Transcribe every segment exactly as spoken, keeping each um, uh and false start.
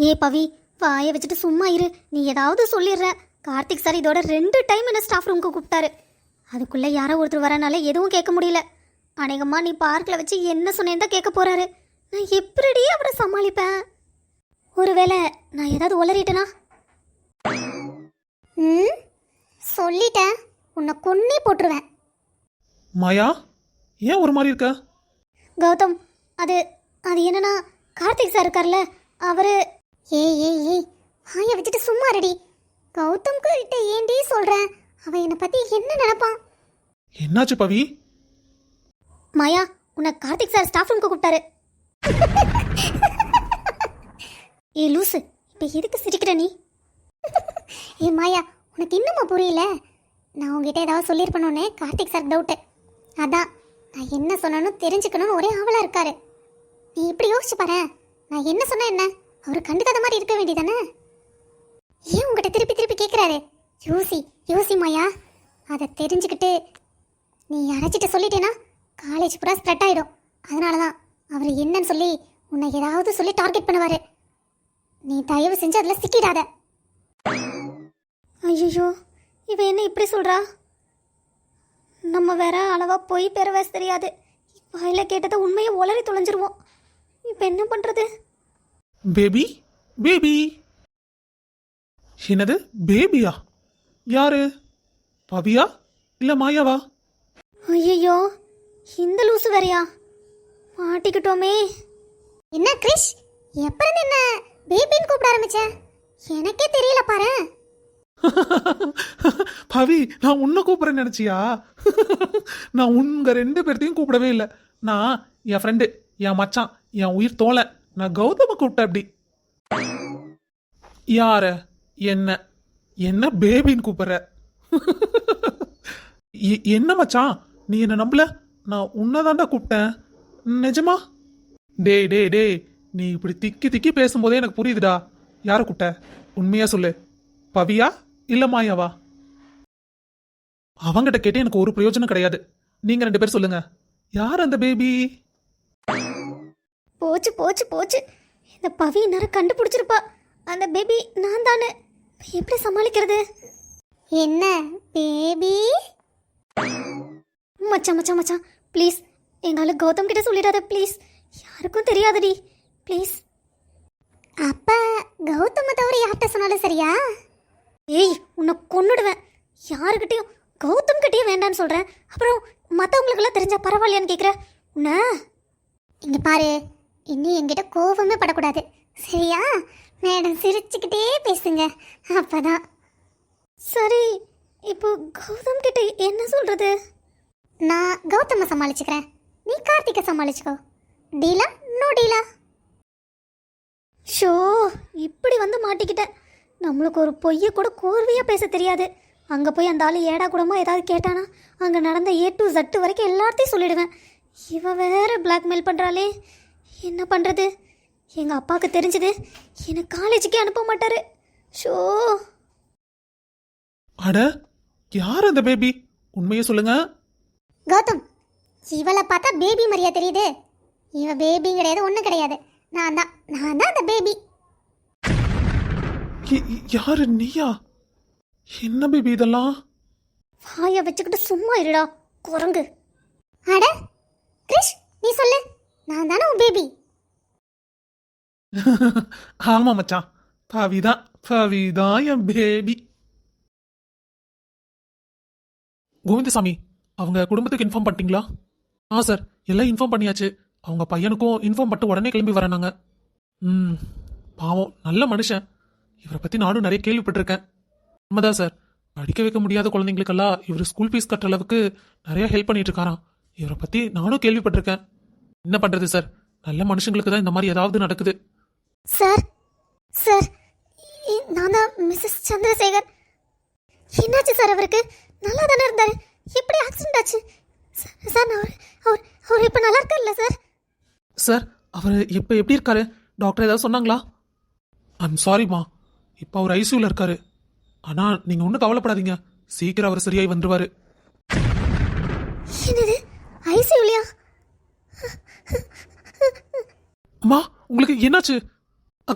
ஏ பவி, வாயை வச்சுட்டு சும்மா இரு. நீ ஏதாவது சொல்லிடுற. கார்த்திக் சார் இதோட ரெண்டு டைம் என்ன ஸ்டாஃப் ரூமுக்கு கூப்பிட்டாரு. அதுக்குள்ளே யாரோ ஒருத்தர் வரனால எதுவும் கேட்க முடியல. அநேகமாக நீ பார்க்கில் வச்சு என்ன சொன்னேன்னு தான் கேட்க போகிறாரு. நான் எப்படி அவரை சமாளிப்பேன்? ஒருவேளை நான் ஏதாவது உளறிட்டேனா? ம் சொல்லிட்டேன், உன்னை கொன்னே போட்டுருவேன். மாயா, ஏன் ஒரு மாதிரி இருக்க? கௌதம், அது அது என்னன்னா, கார்த்திக் சார் இருக்கார்ல, அவரு ஏய் ஏய் ஏய் வாயை வச்சுட்டு சும்மா ரெடி. கௌதம்க்கு கிட்ட ஏண்டி சொல்கிறேன்? அவன் என்னை பற்றி என்ன நினைப்பான்? என்னாச்சு பவி? மாயா, உன்னை கார்த்திக் சார் ஸ்டாஃப் ரூமுக்கு கூப்பிட்டாரு. ஏ லூசு, இப்போ எதுக்கு சிரிக்கிற நீ? ஏ மாயா, உனக்கு இன்னுமா புரியல? நான் உங்ககிட்ட ஏதாவது சொல்லியிருப்பேனோன்னு கார்த்திக் சார் டவுட்டு. அதான் நான் என்ன சொன்னேன்னு தெரிஞ்சுக்கணும்னு ஒரே ஆவலாக இருக்காரு. நீ இப்படி யோசிச்சு பாரு, நான் என்ன சொன்னேன் என்ன அவர் கண்டுக்காத மாதிரி இருக்க வேண்டியதானே? ஏன் உங்ககிட்ட திருப்பி திருப்பி கேட்குறாரு? யோசி யோசி மாயா. அதை தெரிஞ்சுக்கிட்டு நீ யாராச்சிட்ட சொல்லிட்டேன்னா காலேஜ் பூரா ஸ்ப்ரெட் ஆகிடும். அதனால தான் அவர் என்னன்னு சொல்லி உன்னை ஏதாவது சொல்லி டார்கெட் பண்ணுவார். நீ தயவு செஞ்சு அதில் சிக்கிடாத. ஐயோ, இவ என்ன இப்படி சொல்கிறா? நம்ம வேற அளவா போய் பெற வேச தெரியாது. வாயில கேட்டதை உண்மையை உளறி தொலைஞ்சிருவோம். இப்போ என்ன பண்ணுறது? Baby baby. என்னது பேபியா? யாரு? பவியா இல்ல மாயாவா? ஐயோ, இந்த லூசு வேறையா? மாட்டிக்கிட்டோமே. என்ன கிரிஷ், எப்ப இருந்து என்ன பேபின்னு கூப்பிட ஆரம்பிச்ச? எனக்கே தெரியல பாரு. பவி, நான் உன்னை கூப்பிடுறேன்னு நினைச்சியா? நான் உங்க ரெண்டு பேர்த்தையும் கூப்பிடவே இல்லை. நான் என் ஃப்ரெண்டு, என் மச்சான், என் உயிர் தோலை, நான் கௌதம கூப்பிட்டேன். அப்படி யார? என்ன என்ன பேபின்னு கூப்பிடுற? என்ன மச்சான், நீ என்ன நம்பல? நான் உன்னதாண்டா கூப்பிட்டேன். நிஜமா? டே டே டே நீ இப்படி திக்கி திக்கி பேசும்போதே எனக்கு புரியுதுடா. யாரை கூப்பிட்ட? உண்மையா சொல்லு. பவியா இல்ல மாயாவா? அவங்கிட்ட கேட்டு எனக்கு ஒரு பிரயோஜனம் கிடையாது. நீங்க ரெண்டு பேரும் சொல்லுங்க, யார் அந்த பேபி? போச்சு போச்சு போச்சு. இந்த பவி நேரம் கண்டுபிடிச்சிருப்பா. அந்த பேபி நான் தானே. எப்படி சமாளிக்கிறது? என்ன பேபி? மச்சான் மச்சான் மச்சான் ப்ளீஸ், எங்கால கௌதம் கிட்ட சொல்லிடாத ப்ளீஸ். யாருக்கும் தெரியாதடி ப்ளீஸ். அப்ப கௌதம தவிர யார்கிட்ட சொன்னாலும் சரியா? ஏய், உன்னை கொன்னுடுவேன். யாருக்கிட்டையும் கௌதம் கிட்டேயும் வேண்டான்னு சொல்கிறேன். அப்புறம் மற்றவங்களுக்கெல்லாம் தெரிஞ்சா பரவாயில்லையான்னு கேட்குற உன்ன. இங்கே பாரு, இன்னும் என்கிட்ட கோபமே படக்கூடாது சரியா? மேடம் சிரிச்சுக்கிட்டே பேசுங்க, அப்பதான் சரி. இப்போ கௌதம் கிட்ட என்ன சொல்கிறது? நான் கௌதமை சமாளிச்சுக்கிறேன், நீ கார்த்திகை சமாளிச்சுக்கோ. டீலா? நோ டீலா? ஷோ, இப்படி வந்து மாட்டிக்கிட்டேன். நம்மளுக்கு ஒரு பொய்யை கூட கோர்வையாக பேச தெரியாது. அங்கே போய் அந்த ஆள் ஏடா கூடமா ஏதாவது கேட்டானா அங்கே நடந்த ஏ டு ஜட்டு வரைக்கும் எல்லாத்தையும் சொல்லிடுவேன். இவ வேற பிளாக்மெயில் பண்ணுறாளே, என்ன பண்ணுறது? எங்கள் அப்பாவுக்கு தெரிஞ்சது என்னை காலேஜுக்கே அனுப்ப மாட்டார். ஷோ. அட, யார் அந்த பேபி? உண்மையை சொல்லுங்க. கௌதம், இவளை பார்த்தா பேபி மாதிரியா தெரியுது? இவ பேபி கிடையாது, ஒன்றும் கிடையாது. நான் தான் நான் தான் அந்த பேபி. யாரு? நீயா? என்ன பேபி இதெல்லாம்? வாயை வச்சுக்கிட்டு சும்மா இருடா குரங்கு. அட கிரிஷ், நீ சொல்லு, நான் தானே உன் பேபி. ஆமா மச்சான், பவிதான் பவிதான் என் பேபி. கோவிந்தசாமி, அவங்க குடும்பத்துக்கு இன்ஃபார்ம் பண்ணிட்டீங்களா? ஆ சார், எல்லாம் இன்ஃபார்ம் பண்ணியாச்சு. அவங்க பையனுக்கும் இன்ஃபார்ம் பண்ணிட்டு உடனே கிளம்பி வரேனாங்க. ம், பாவம், நல்ல மனுஷன். இவரை பற்றி நானும் நிறைய கேள்விப்பட்டிருக்கேன். உண்மைதான் சார், படிக்க வைக்க முடியாத குழந்தைங்களுக்கெல்லாம் இவர் ஸ்கூல் ஃபீஸ் கட்டுற அளவுக்கு நிறைய ஹெல்ப் பண்ணிட்டு இருக்காராம். இவரை பற்றி நானும் கேள்விப்பட்டிருக்கேன். என்ன பண்ணுறது சார், நல்ல மனுஷங்களுக்கு தான் இந்த மாதிரி ஏதாவது நடக்குது. சார் சார், நான் தான் மிஸ்ஸஸ் சந்திரசேகர். என்னாச்சு சார்? அவருக்கு நல்லா தானே இருந்தார், எப்படி ஆக்சிடென்ட் ஆச்சு சார்? அவர் அவர் அவர் இப்போ நல்லா இருக்கார்ல சார்? சார், அவர் இப்போ எப்படி இருக்காரு? டாக்டர் ஏதாவது சொன்னாங்களா? ஐம் சாரிம்மா, இப்போ அவர் ஐசியூவில் இருக்காரு. ஆனால் நீங்கள் ஒன்றும் கவலைப்படாதீங்க, சீக்கிரம் அவர் சரியாகி வந்துருவாரு. என்னது, ஐசியூலையா? அம்மா, உங்களுக்கு என்னாச்சு? அக்கா,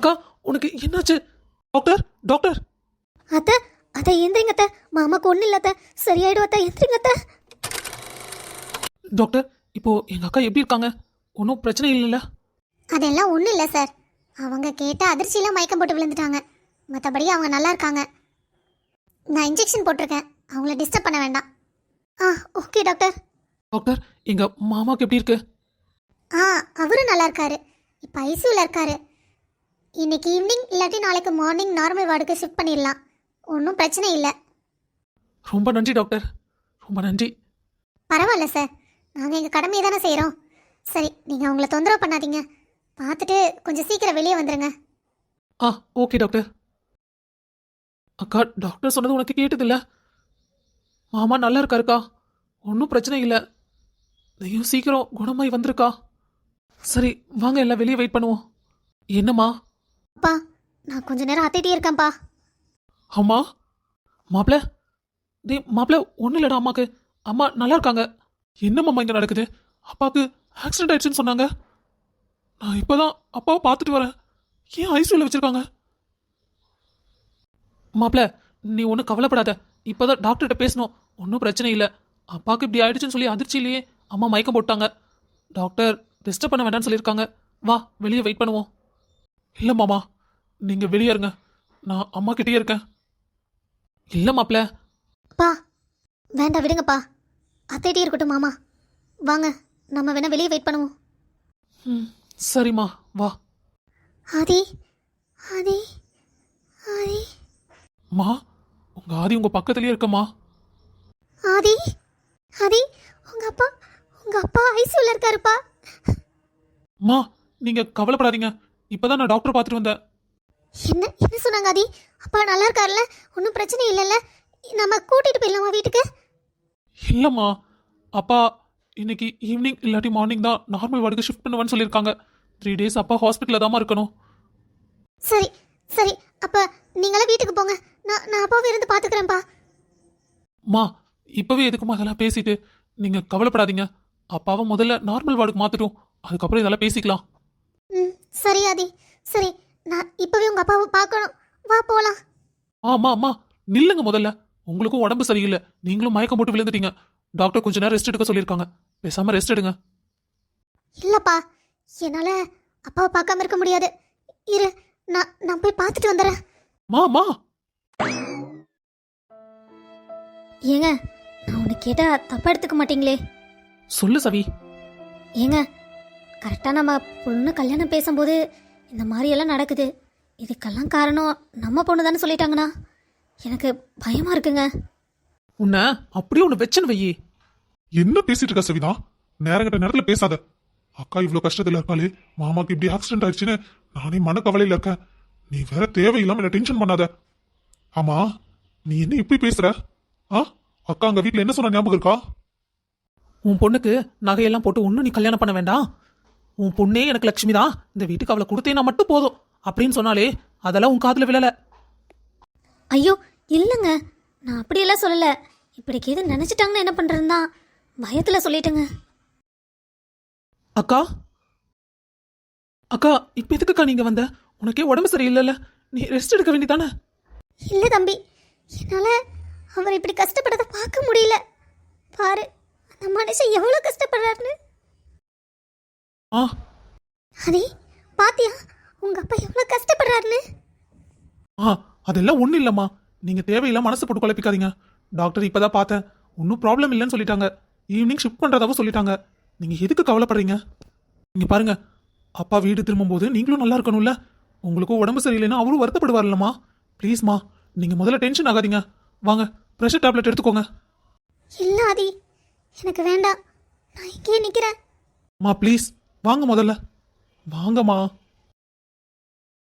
உனக்கு என்னாச்சு? டாக்டர் டாக்டர் அத்தை அத்தை எந்திரிங்க அத்தை, மாமாக்கு ஒன்றும் இல்லை அத்தை, சரியாயிடும் அத்தை, எந்திரிங்க அத்தை. டாக்டர் இப்போ எங்க அக்கா எப்படி இருக்காங்க? ஒன்றும் பிரச்சனை இல்லைல்ல? அதெல்லாம் ஒன்றும் இல்லை சார், அவங்க கேட்ட அதிர்ச்சியில் மயக்கம் போட்டு விழுந்துட்டாங்க, மற்றபடி அவங்க நல்லா இருக்காங்க. நான் இன்ஜெக்ஷன் போட்டிருக்கேன், அவங்கள டிஸ்டர்ப் பண்ண வேண்டாம். ஆ ஓகே டாக்டர். டாக்டர் எங்க மாமாக்கு எப்படி இருக்கு? ஆ அவரும் நல்லா இருக்காரு, இப்போ ஐசியூவில் இருக்காரு. இன்னைக்கு ஈவினிங் இல்லாட்டி நாளைக்கு மார்னிங் நார்மல் வார்டுக்கு ஷிஃப்ட் பண்ணிடலாம், ஒன்றும் பிரச்சனை இல்லை. ரொம்ப நன்றி டாக்டர், ரொம்ப நன்றி. பரவாயில்ல சார், நாங்கள் எங்கள் கடமையை தானே செய்கிறோம். சரி, நீங்கள் அவங்கள தொந்தரவு பண்ணாதீங்க, பார்த்துட்டு கொஞ்சம் சீக்கிரம் வெளியே வந்துடுங்க. ஆ ஓகே டாக்டர். அக்கா டாக்டர் சொன்னது உனக்கு கேட்டதில்ல? மாமா நல்லா இருக்காருக்கா, ஒன்றும் பிரச்சனை இல்லை, நீயும் சீக்கிரம் குணமாய் வந்திருக்கா. சரி வாங்க எல்லாம் வெளியே வெயிட் பண்ணுவோம். என்னம்மா? அப்பா நான் கொஞ்ச நேரம் அத்திட்டே இருக்கேன்ப்பா. அம்மா மாப்பிள்ள, டே மாப்பிள்ள ஒன்றும் இல்லைடா அம்மாக்கு, அம்மா நல்லா இருக்காங்க. என்னம்மா இங்கே நடக்குது? அப்பாவுக்கு ஆக்சிடென்ட் ஆயிடுச்சுன்னு சொன்னாங்க. நான் இப்போதான் அப்பாவை பார்த்துட்டு வரேன், ஏன் ஐசியூவில் வச்சிருக்காங்க? மாப்பிள்ள நீ ஒன்றும் கவலைப்படாத, இப்போதான் டாக்டர்கிட்ட பேசணும், ஒன்றும் பிரச்சனை இல்லை. அப்பாவுக்கு இப்படி ஆயிடுச்சுன்னு சொல்லி அதிர்ச்சியிலேயே அம்மா மயக்கம் போட்டாங்க. டாக்டர் டிஸ்டர்ப் பண்ண வேண்டாம்னு சொல்லியிருக்காங்க. வா வெளியே வெயிட் பண்ணுவோம். இல்லை மாமா, நீங்கள் வெளியே இருங்க, நான் அம்மா கிட்டேயே இருக்கேன். இல்லை மாப்பிள்ள. அப்பா வேண்டாம் விடுங்கப்பா, அத்திட்டே இருக்கட்டும் மாமா, வாங்க நம்ம வேணா வெளியே வெயிட் பண்ணுவோம். ம் சரிம்மா வா. ஆதி ஆதி ஆதி மா உங்க ஆதி உங்க பக்கத்துலயே இருக்கம்மா. ஆதி ஆதி உங்க அப்பா உங்க அப்பா ஐசியூல இருக்காருப்பா. மா நீங்க கவலைப்படாதீங்க, இப்பதான் நான் டாக்டர் பார்த்துட்டு வந்தேன். என்ன என்ன சொன்னாங்க ஆதி? அப்பா நல்லா இருக்காருல்ல, ஒன்றும் பிரச்சனை இல்லைல்ல, நம்ம கூட்டிட்டு போயிடலாமா வீட்டுக்கு? இல்லம்மா, அப்பா இன்னைக்கு ஈவினிங் இல்லாட்டி மார்னிங் தான் நார்மல் வார்டுக்கு ஷிஃப்ட் பண்ணுவேன்னு சொல்லியிருக்காங்க. த்ரீ டேஸ் அப்பா ஹாஸ்பிட்டலில் தாம்மா இருக்கணும். சரி சரி, அப்ப நீங்களே வீட்டுக்கு போங்க, நான் நான் அப்பாவை இருந்து பார்த்துக்கிறேன்ப்பா. மா இப்பவே எதுக்குமா அதெல்லாம் பேசிட்டு? நீங்க கவலைப்படாதீங்க, அப்பாவை முதல்ல நார்மல் வார்டுக்கு மாத்திட்டோம், அதுக்கப்புறம் இதெல்லாம் பேசிக்கலாம். ம் சரி ஆதி, சரி நான் இப்பவே உங்க அப்பாவை பார்க்கணும், வா போலாம். ஆமா அம்மா நில்லுங்க முதல்ல, உங்களுக்கும் உடம்பு சரியில்லை, நீங்களும் மயக்கம் போட்டு விழுந்துட்டீங்க. டாக்டர் கொஞ்ச நேரம் ரெஸ்ட் எடுக்க சொல்லியிருக்காங்க, பேசாம ரெஸ்ட் எடுங்க. இல்லப்பா என்னால அப்பாவை பார்க்காம இருக்க முடியாது, இரு நான் நான் போய் பார்த்துட்டு வந்துடுறேன். மா மா ஏங்க நான் உன்னை கேட்டா தப்பா எடுத்துக்க மாட்டீங்களே? சொல்லு சவி. ஏங்க கரெக்டாக நம்ம பொண்ணு கல்யாணம் பேசும்போது இந்த மாதிரியெல்லாம் நடக்குது, இதுக்கெல்லாம் காரணம் நம்ம பொண்ணு தானே சொல்லிட்டாங்கண்ணா, எனக்கு பயமாக இருக்குங்க. உன்னை அப்படியே ஒன்று வெச்சன் வையி. என்ன பேசிட்டு இருக்க சவிதா? நேரங்கட்ட நேரத்துல பேசாத. அக்கா இவ்வளவு கஷ்டத்துல இருக்காளே, மாமாக்கு இப்படி ஆக்சிடென்ட் ஆயிடுச்சுன்னு நானே மனக்கவலையில இருக்கேன். நீ வேற தேவையில்லாம என்ன டென்ஷன் பண்ணாத. ஆமா நீ என்ன இப்படி பேசுற? ஆ அக்கா அங்க வீட்டுல என்ன சொன்ன ஞாபகம் இருக்கா? உன் பொண்ணுக்கு நகையெல்லாம் போட்டு ஒன்றும் நீ கல்யாணம் பண்ண வேண்டாம், உன் பொண்ணே எனக்கு லட்சுமி தான், இந்த வீட்டுக்கு அவளை கொடுத்தேன்னா மட்டும் போதும் அப்படின்னு சொன்னாலே அதெல்லாம் உன் காதுல விழல. ஐயோ இல்லைங்க, நான் அப்படியெல்லாம் சொல்லலை, இப்படிக்கு எது நினச்சிட்டாங்கன்னு என்ன பண்ணுறதுன்னு தான் பயத்தில் சொல்லிட்டேங்க. அக்கா அக்கா இப்போ எதுக்குக்கா நீங்க வந்த? உனக்கே உடம்பு சரியில்லைல்ல, நீ ரெஸ்ட் எடுக்க வேண்டியதானே? இல்லை தம்பி, என்னால் அவர் இப்படி கஷ்டப்பட்டதை பார்க்க முடியல, பாரு அந்த மனுஷன் எவ்வளோ கஷ்டப்படுறாருன்னு. ஆ அதே பாத்தியா உங்க அப்பா எவ்வளோ கஷ்டப்படுறாருன்னு? ஆ அதெல்லாம் ஒன்றும் இல்லைம்மா, நீங்கள் தேவையில்லாம மனசு போட்டு குழப்பிக்காதீங்க. டாக்டர் இப்போ தான் பார்த்தேன், ஒன்றும் ப்ராப்ளம் இல்லைன்னு சொல்லிட்டாங்க, ஈவினிங் ஷிஃப்ட் பண்ணுறதாவும் சொல்லிட்டாங்க. நீங்கள் எதுக்கு கவலைப்படுறீங்க? நீங்கள் பாருங்க, அப்பா வீடு திரும்பும்போது நீங்களும் நல்லா இருக்கணும்ல, உங்களுக்கும் உடம்பு சரியில்லைன்னா அவரும் வருத்தப்படுவார்லம்மா. ப்ளீஸ்மா நீங்கள் முதல்ல டென்ஷன் ஆகாதீங்க, வாங்க ப்ரெஷர் டேப்லெட் எடுத்துக்கோங்க. இல்லை ஆதி எனக்கு வேண்டாம், நான் இங்கேயே நிற்கிறேன். மா ப்ளீஸ் வாங்க முதல்ல, வாங்கம்மா.